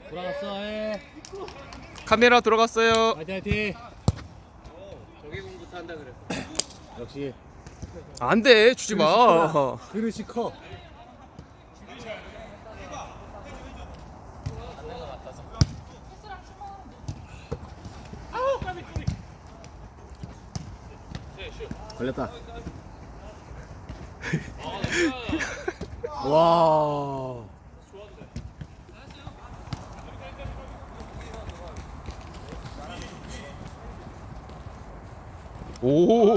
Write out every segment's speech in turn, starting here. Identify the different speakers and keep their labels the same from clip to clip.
Speaker 1: 돌아갔어. 해.
Speaker 2: 카메라 들어갔어요.
Speaker 1: 화이팅 화이팅.
Speaker 3: 저기 공부터 한다 그랬어.
Speaker 1: 역시
Speaker 2: 안돼 주지 마.
Speaker 1: 그릇이 커. 걸렸다. 와.
Speaker 2: 오.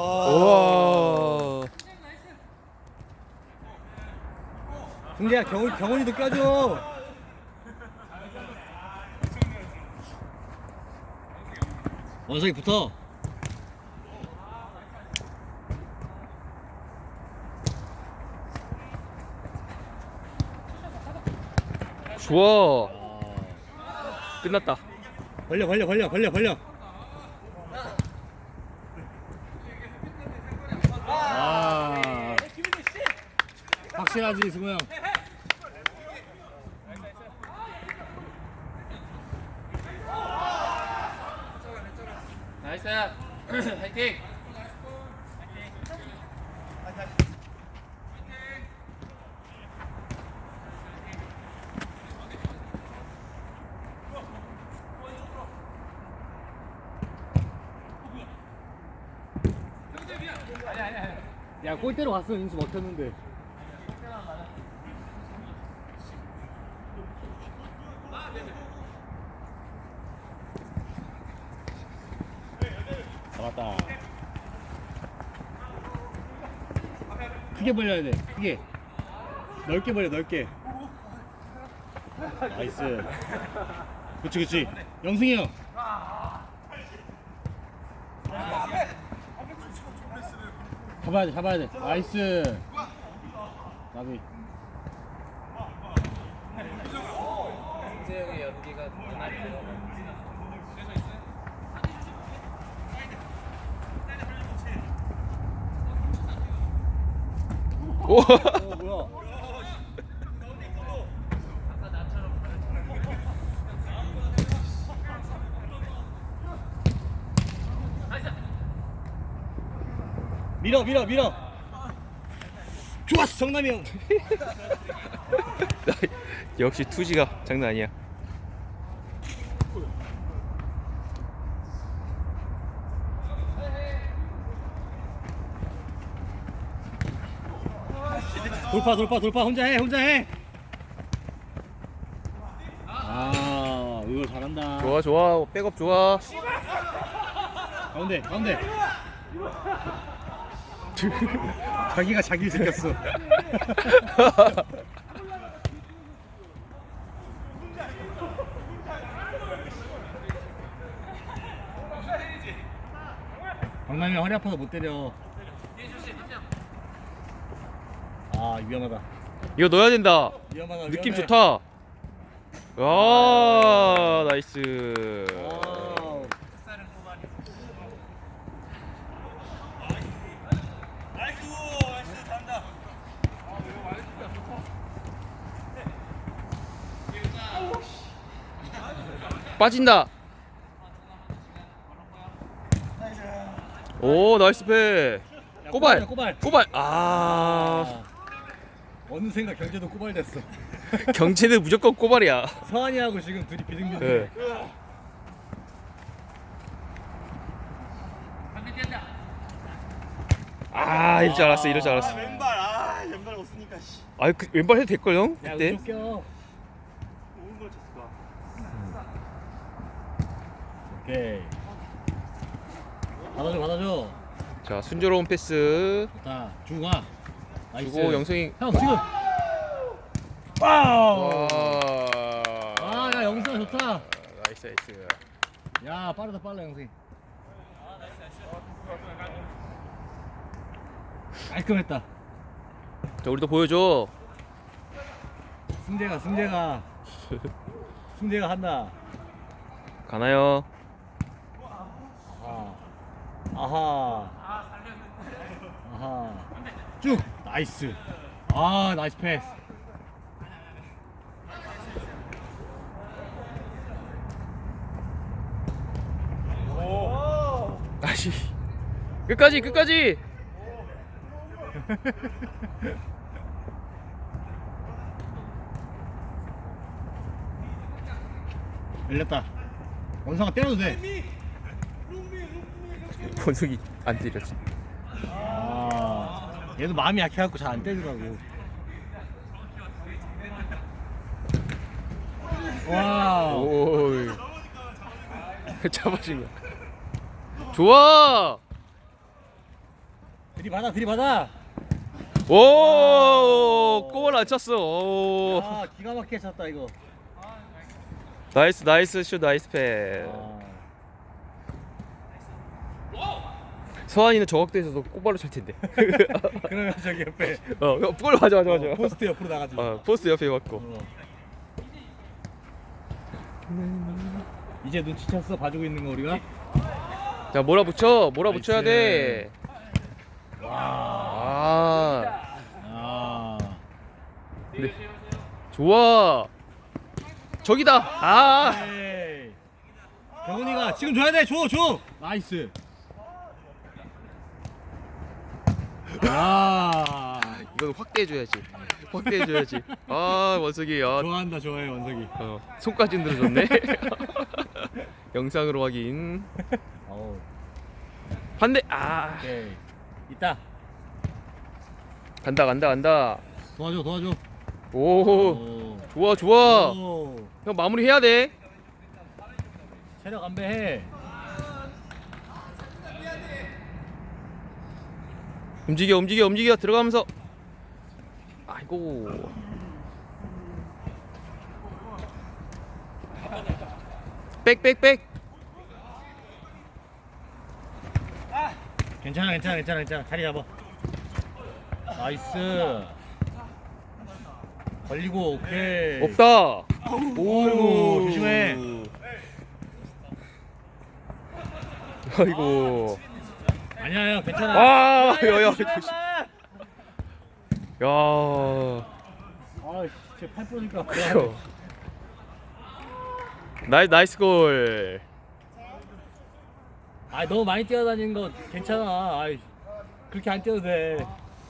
Speaker 2: 와.
Speaker 1: 승재야 경훈이도 껴줘. 원석이 붙어.
Speaker 2: 좋아. 끝났다.
Speaker 1: 벌려. 아. 확실하지 승우 형.
Speaker 3: 나이스. 화이팅.
Speaker 1: 야 골대로 갔으면 인수 먹혔는데. 잡았다. 크게 벌려야 돼. 크게. 넓게 벌려. 넓게. 나이스. 그치. 영승이 형. 잡아야 돼. 나이스. 나비.
Speaker 3: 승재 형의 연기가 눈알이 들어가.
Speaker 2: 오.
Speaker 1: 뭐야? 밀어. 좋았어, 정남이 형.
Speaker 2: 역시 투지가 장난 아니야.
Speaker 1: 돌파. 혼자 해. 아, 이거 잘한다.
Speaker 2: 좋아. 백업 좋아.
Speaker 1: 가운데. 자기가 자기를 새겼어. 강남이 허리 아파서 못 때려. 아, 위험하다.
Speaker 2: 이거 넣어야 된다.
Speaker 1: 위험하다.
Speaker 2: 느낌
Speaker 1: 위험해.
Speaker 2: 좋다. 와 나이스.
Speaker 1: 와우.
Speaker 2: 빠진다. 오 나이스 패.
Speaker 1: 야,
Speaker 2: 꼬발.
Speaker 1: 꼬발.
Speaker 2: 아
Speaker 1: 어느샌가 경제도 꼬발됐어.
Speaker 2: 경제는 무조건 꼬발이야.
Speaker 1: 서한이하고 지금 둘이 비등비등.
Speaker 2: 네. 아 이럴 줄 알았어.
Speaker 4: 왼발 없으니까 씨.
Speaker 2: 아 그 왼발 해도 될걸 형?
Speaker 1: 야,
Speaker 2: 그때?
Speaker 1: 왼쪽 껴.
Speaker 4: 오른 걸 쳤을까?
Speaker 1: 오케이. 받아줘.
Speaker 2: 자 순조로운 패스
Speaker 1: 좋다. 주고 가. 나이스.
Speaker 2: 주고 영승이.
Speaker 1: 형 지금. 와우.
Speaker 2: 와.
Speaker 1: 야 영승아 좋다.
Speaker 2: 나이스.
Speaker 1: 야 빠르다 영승이. 깔끔했다.
Speaker 2: 자 우리도 보여줘.
Speaker 1: 승재가 한다.
Speaker 2: 가나요?
Speaker 1: 아하. 쭉. 나이스. 아 나이스 패스.
Speaker 2: 그렇지. 끝까지 끝까지.
Speaker 1: 열렸다. 원상아 때려도 돼.
Speaker 2: 원숭이 안 때렸지.
Speaker 1: 아, 얘도 마음이 약해갖고 잘 안 때리더라고. 와.
Speaker 2: 오이. 잡아준 거야. 좋아.
Speaker 1: 들이받아, 들이받아.
Speaker 2: 오, 골 안 찼어. 오.
Speaker 1: 아, 기가 막히게 찼다 이거.
Speaker 2: 나이스 나이스 슛 나이스 패. 서한이는 저 각도에서도 꽃발로 찰 텐데.
Speaker 1: 그러면 저기 옆에
Speaker 2: 골 맞아 맞아 맞아.
Speaker 1: 포스트 옆으로 나가지.
Speaker 2: 포스트 옆에 맞고.
Speaker 1: 이제 눈치챘어 봐주고 있는 거 우리가.
Speaker 2: 자 몰아붙여 몰아붙여야
Speaker 1: 나이스.
Speaker 2: 돼.
Speaker 1: 와.
Speaker 2: 아
Speaker 1: 아.
Speaker 2: 근데 좋아. 저기다. 아
Speaker 1: 에이. 경훈이가 지금 줘야 돼. 줘, 줘. 나이스. 야.
Speaker 2: 이건 확대해줘야지. 확대해줘야지. 아 원석이
Speaker 1: 좋아한다, 좋아해 원석이.
Speaker 2: 손까지 흔들어줬네. 영상으로 확인.
Speaker 1: 어우.
Speaker 2: 반대. 아
Speaker 1: 오케이. 있다.
Speaker 2: 간다 간다 간다.
Speaker 1: 도와줘, 도와줘.
Speaker 2: 오 좋아 좋아.
Speaker 1: 오.
Speaker 2: 형 마무리 해야 돼.
Speaker 1: 체력 안배해.
Speaker 2: 움직여 움직여 움직여 들어가면서. 아이고. 백.
Speaker 1: 괜찮아, 괜찮아, 괜찮아, 괜찮아. 자리 잡아. 나이스. 걸리고 오케이.
Speaker 2: 없다.
Speaker 1: 오이고, 조심해.
Speaker 2: 아이고.
Speaker 1: 아니야, 형 괜찮아.
Speaker 2: 아,
Speaker 1: 야,
Speaker 2: 야야.
Speaker 1: 조심해,
Speaker 2: 조심.
Speaker 1: 임마.
Speaker 2: 야.
Speaker 1: 아, 진짜 팔 부러니까.
Speaker 2: 나이스 골.
Speaker 1: 아, 너무 많이 뛰어다니는 거 괜찮아. 아이, 그렇게 안 뛰어도 돼.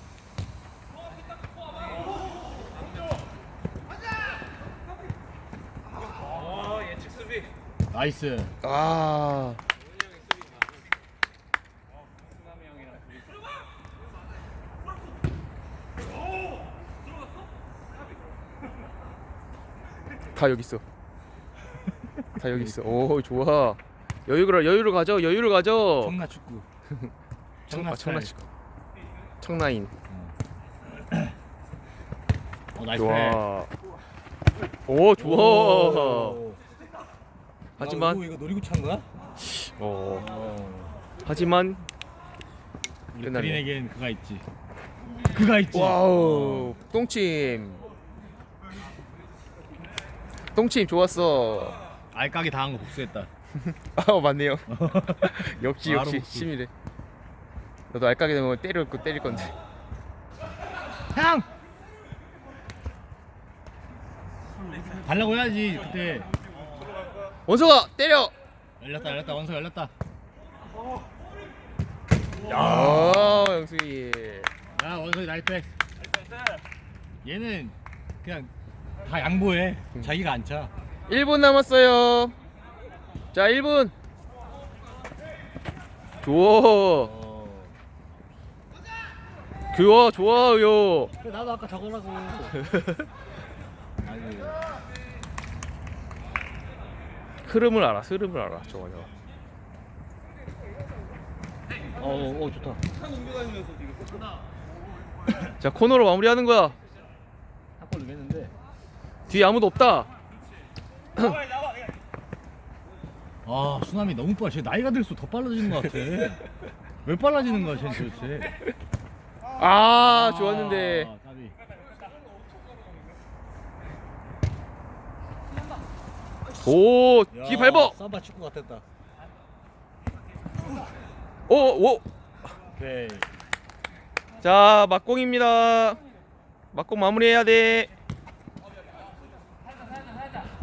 Speaker 3: 예측 수비.
Speaker 1: 나이스.
Speaker 2: 아.
Speaker 3: 승남이 형이랑 둘이.
Speaker 2: 다 여기 있어. 다 여기 있어. 오 좋아. 여유를 가져. 여유를 가져.
Speaker 1: 청라 축구.
Speaker 2: 청라
Speaker 1: 스타일.
Speaker 2: 축구. 청라인.
Speaker 1: 나이스.
Speaker 2: 좋아. 오 좋아.
Speaker 1: 오.
Speaker 2: 하지만
Speaker 1: 이거 노리고 찬 거야?
Speaker 2: 하지만
Speaker 1: 우리
Speaker 2: 끝났네.
Speaker 1: 그린에겐 그가 있지. 그가 있지.
Speaker 2: 와우 똥침 좋았어.
Speaker 1: 알까기 당한 거 복수했다.
Speaker 2: 아 맞네요. 역시
Speaker 1: 바로
Speaker 2: 역시
Speaker 1: 복수.
Speaker 2: 심이래. 너도 알까게 되면 때릴 건데.
Speaker 1: 형. 달라고 해야지 그때.
Speaker 2: 원석아 때려.
Speaker 1: 열렸다 원서 열렸다.
Speaker 2: 아 영숙이.
Speaker 1: 야 원석이 나이스. 얘는 그냥 다 양보해. 자기가 안 차.
Speaker 2: 1분 남았어요. 자 1분. 좋아요.
Speaker 1: 그래, 나도 아까 저거라고. 아이고.
Speaker 2: 흐름을 알아 저거.
Speaker 1: 좋다.
Speaker 2: 자 코너로 마무리하는 거야.
Speaker 1: 한 골 넣겠는데.
Speaker 2: 뒤에 아무도 없다.
Speaker 1: 아 수남이 너무 빨라. 쟤 나이가 들수록 더 빨라지는 것 같아. 왜 빨라지는 거야 쟤 도대체.
Speaker 2: 아 좋았는데.
Speaker 1: 까비.
Speaker 2: 오
Speaker 1: 야,
Speaker 2: 뒤 밟어.
Speaker 1: 삼바 축구 같았다.
Speaker 2: 오.
Speaker 1: 오케이.
Speaker 2: 자 막공입니다. 막공 마무리해야 돼.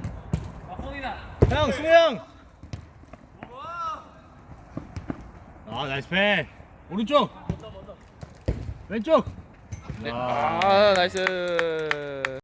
Speaker 3: 막공이다.
Speaker 1: 형 승우 형. 아 나이스 패. 오른쪽. 왼쪽.
Speaker 2: 네. 아 나이스.